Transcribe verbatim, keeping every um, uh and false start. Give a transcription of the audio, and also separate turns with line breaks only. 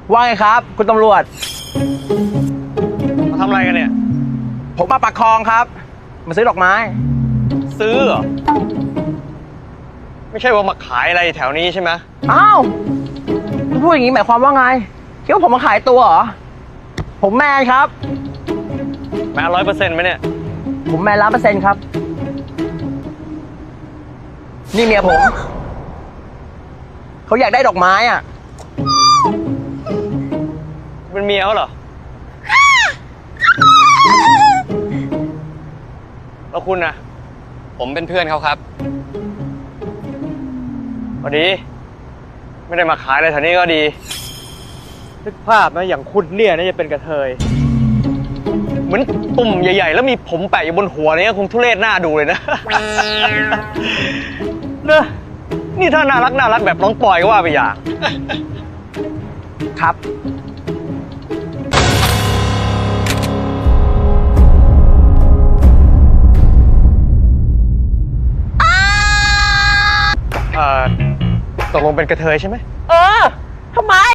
ว่าไงครับ คุณตำรวจ
มาทำอะไรกันเนี่ย
ผมมาปักคลองครับ มาซื้อดอกไม้
ซื้อเหรอ ไม่ใช่ว่ามาขายอะไรแถวนี้ใช่ไหม
อ้าวคุณพูดอย่างนี้หมายความว่าไงคิดว่าผมมาขายตัวเหรอ ผมแมนครับ
แม่ร้อยเปอร์เซ็นต์ไหมเนี่ย
ผมแมนล้านเปอร์เซ็นต์ครับ นี่เมียผม เขาอยากได้ดอกไม้อ่ะ
เป็นเมียเขาเหรอ แล้วคุณนะ
ผมเป็นเพื่อนเขาครับ
พอดี ไม่ได้มาขายอะไรแถวนี้ก็ดีนึกภาพนะอย่างคุณเนี่ยน่าจะเป็นกระเทย เหมือนตุ่มใหญ่ๆ แล้วมีผมแปะอยู่บนหัวเนี่ยคงทุเรศหน้าดูเลยนะ เนอะนี่ถ้าน่ารักน่ารักแบบน้องปอยก็ว่าไปอย่าง
ครับ
เอ่อตกลงเป็นกระเทยใช่ไหม
เออทำไม